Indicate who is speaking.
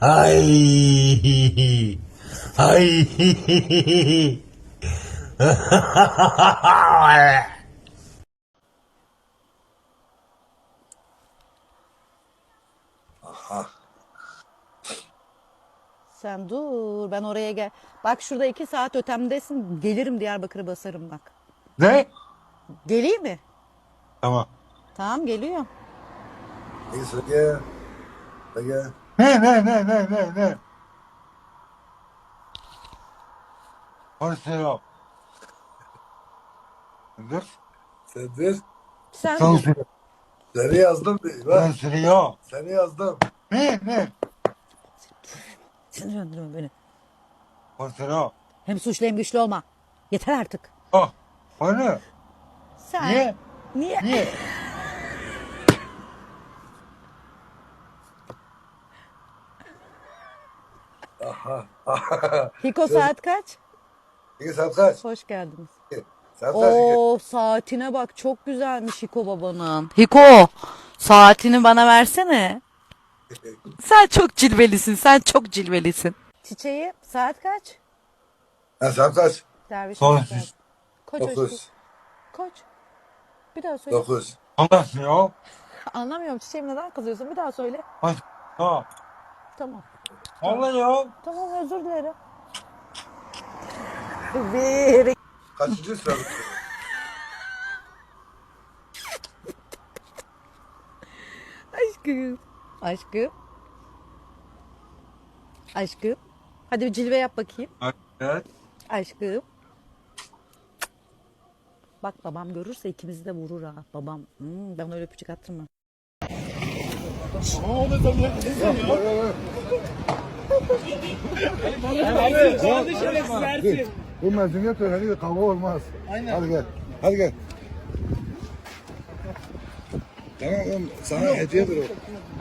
Speaker 1: Ay. Ay.
Speaker 2: Sen dur, ben oraya gel. Bak şurada 2 saat ötemdesin. Gelirim Diyarbakır'ı basarım bak.
Speaker 3: Ne?
Speaker 2: Geleyim mi?
Speaker 3: Tamam.
Speaker 2: Tamam geliyorum.
Speaker 4: Neyse gel. Gel.
Speaker 3: Ne? Konuşuyor. Dur.
Speaker 4: Sendir.
Speaker 2: Sen dur.
Speaker 3: Konuşuyor.
Speaker 4: Seni yazdım. Bak.
Speaker 3: Konuşuyor.
Speaker 4: Seni yazdım.
Speaker 3: Ne?
Speaker 2: Sinirlendirme beni.
Speaker 3: Konuşuyor.
Speaker 2: Hem suçlu hem güçlü olma. Yeter artık.
Speaker 3: Oh. Onu.
Speaker 2: Sen.
Speaker 3: Niye?
Speaker 2: Niye?
Speaker 4: Aha.
Speaker 2: Hiko saat kaç?
Speaker 4: 2 saat kaç?
Speaker 2: Hoş geldiniz.
Speaker 4: Saat kaç?
Speaker 2: Oo saatine bak çok güzelmiş Hiko babanın. Hiko saatini bana versene. Sen çok cilvelisin, sen çok cilvelisin. Çiçeği saat kaç?
Speaker 4: Ha, saat kaç?
Speaker 2: Derviş
Speaker 3: Konuş.
Speaker 2: saat. Koç aşkım.
Speaker 4: 9.
Speaker 2: Koç. Bir daha söyle.
Speaker 4: 9.
Speaker 3: Konuşuyor.
Speaker 2: Anlamıyorum çiçeğim neden kızıyorsun? Bir daha söyle.
Speaker 3: Konuşuyor.
Speaker 2: Tamam.
Speaker 3: Anlıyor.
Speaker 2: Tamam özür dilerim. Bir.
Speaker 4: Kaçıncı sırada?
Speaker 2: Aşkım. Aşkım. Aşkım. Hadi bir cilve yap bakayım.
Speaker 3: Evet.
Speaker 2: Aşkım. Bak babam görürse ikimizi de vurur ha. Babam. Ben öyle öpücük attırmam.
Speaker 4: Bu mezuniyet töreni kavga olmaz. Aynen. Hadi gel. Hadi gel. Tamam oğlum, sana hediyedir o.